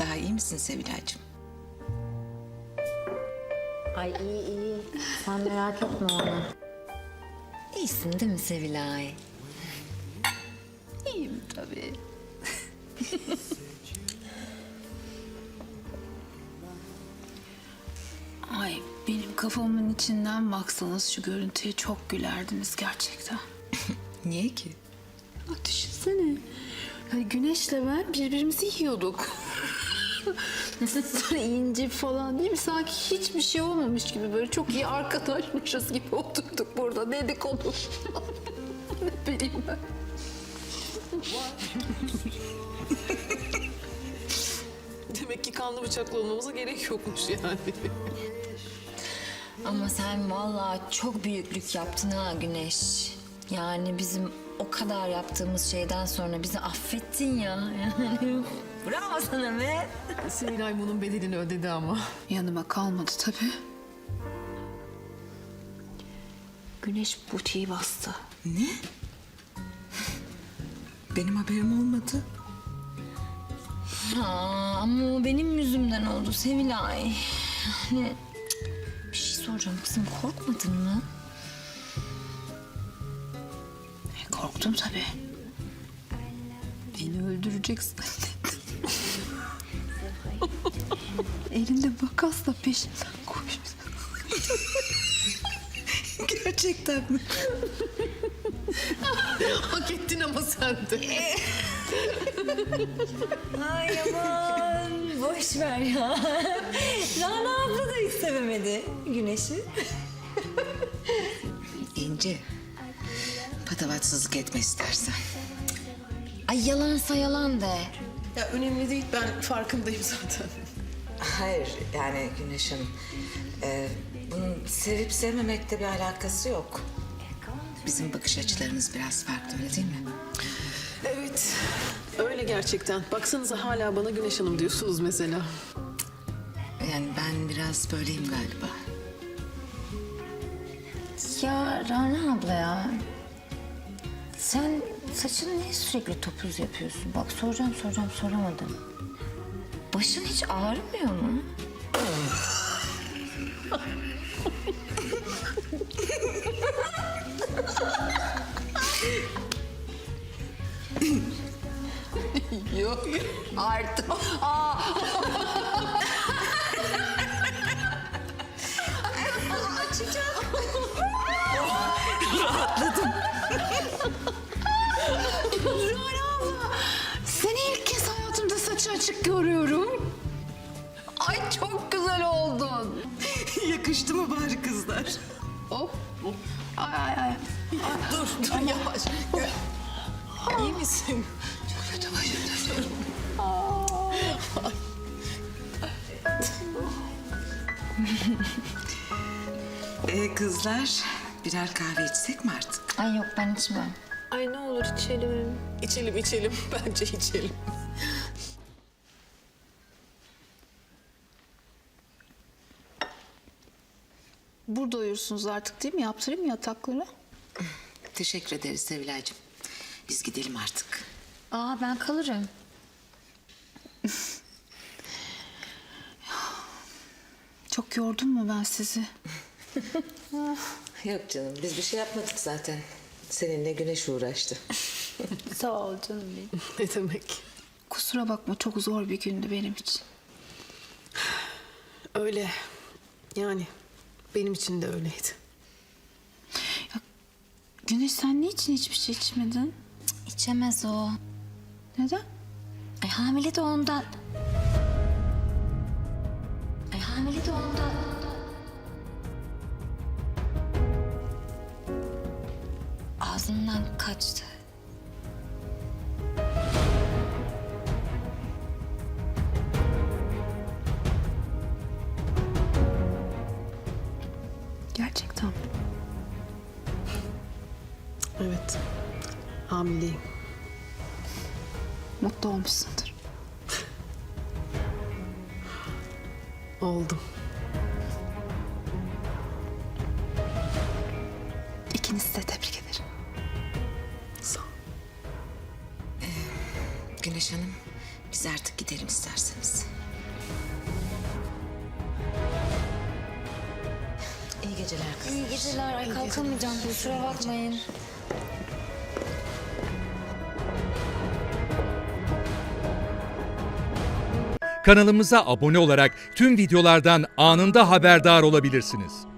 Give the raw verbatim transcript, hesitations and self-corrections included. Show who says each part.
Speaker 1: Daha iyi misin Sevilay'cığım?
Speaker 2: Ay iyi iyi. Sen merak etme onu. İyisin değil mi Sevilay?
Speaker 1: İyiyim tabii.
Speaker 3: Ay benim kafamın içinden baksanız şu görüntüye çok gülerdiniz gerçekten.
Speaker 1: Niye ki?
Speaker 3: Ya düşünsene. Yani Güneş'le ben birbirimizi yiyorduk. Sonra ince falan değil mi? Sanki hiçbir şey olmamış gibi böyle çok iyi arkadaşmışız gibi oturduk burada dedikodu. Ne bileyim ben.
Speaker 4: Demek ki kanlı bıçaklı olmamıza gerek yokmuş yani.
Speaker 2: Ama sen vallahi çok büyüklük yaptın ha Güneş. Yani bizim o kadar yaptığımız şeyden sonra bizi affettin ya. Yani bravo sana be.
Speaker 4: Sevilay bunun bedelini ödedi ama.
Speaker 3: Yanıma kalmadı tabii. Güneş butiği bastı.
Speaker 1: Ne? Benim haberim olmadı.
Speaker 2: Ha, ama o benim yüzümden oldu Sevilay. Yani cık, bir şey soracağım kızım, korkmadın mı?
Speaker 3: E, korktum tabii. Beni öldüreceksin. Elinde makasla peşimden koştu.
Speaker 1: Gerçekten mi?
Speaker 4: Hak ettin ama sen de.
Speaker 2: Ay aman boş ver ya. Rana abla da hiç sevemedi Güneş'i.
Speaker 1: İnce. Patavatsızlık etme istersen.
Speaker 2: Ay yalansa yalan de.
Speaker 4: Ya önemli değil, ben farkındayım zaten.
Speaker 1: Hayır yani Güneş Hanım. e, bunun sevip sevmemekle bir alakası yok. Bizim bakış açılarımız biraz farklı, öyle değil mi?
Speaker 4: Evet, öyle gerçekten. Baksanıza hala bana Güneş Hanım diyorsunuz mesela.
Speaker 1: Yani ben biraz böyleyim galiba.
Speaker 2: Ya Rana abla ya. Sen saçını niye sürekli topuz yapıyorsun? Bak soracağım soracağım soramadım. Başın hiç ağrımıyor mu?
Speaker 3: Yok artık. Aa. Rana abla, seni ilk kez hayatımda saçı açık görüyorum. Ay çok güzel oldun.
Speaker 1: Yakıştı mı bari kızlar?
Speaker 3: Hop. Ay ay ay.
Speaker 1: Dur, dur yavaş. İyi misin? Çok kötü başım. Ee, kızlar, birer kahve içsek mi artık?
Speaker 2: Ay yok ben içmem.
Speaker 4: Ay ne olur içelim. İçelim, içelim. Bence içelim.
Speaker 3: Burada uyursunuz artık değil mi? Yaptırayım mı yatakları?
Speaker 1: Teşekkür ederiz Sevilay'cığım. Biz gidelim artık.
Speaker 2: Aa ben kalırım.
Speaker 3: Çok yordum mu ben sizi?
Speaker 1: Yok canım, biz bir şey yapmadık zaten. Seninle Güneş uğraştı.
Speaker 3: Sağ ol canım benim.
Speaker 4: Ne demek?
Speaker 3: Kusura bakma çok zor bir gündü benim için.
Speaker 4: Öyle. Yani benim için de öyleydi.
Speaker 3: Güneş sen niçin hiçbir şey içmedin?
Speaker 2: İçemez o.
Speaker 3: Neden?
Speaker 2: Ay hamile de ondan. Ay hamile de ondan. Ağzından kaçtı.
Speaker 3: Gerçekten mi?
Speaker 4: Evet. Hamileyim.
Speaker 3: Mutlu olmuşsundur.
Speaker 4: Oldum.
Speaker 3: İkinizi de tebrik ederim.
Speaker 4: Sağ ol.
Speaker 1: Güneş Hanım, Biz artık gidelim isterseniz. İyi geceler kızlar.
Speaker 2: İyi geceler. Ay kalkamayacağım. Kusura bakmayın.
Speaker 5: Kanalımıza abone olarak tüm videolardan anında haberdar olabilirsiniz.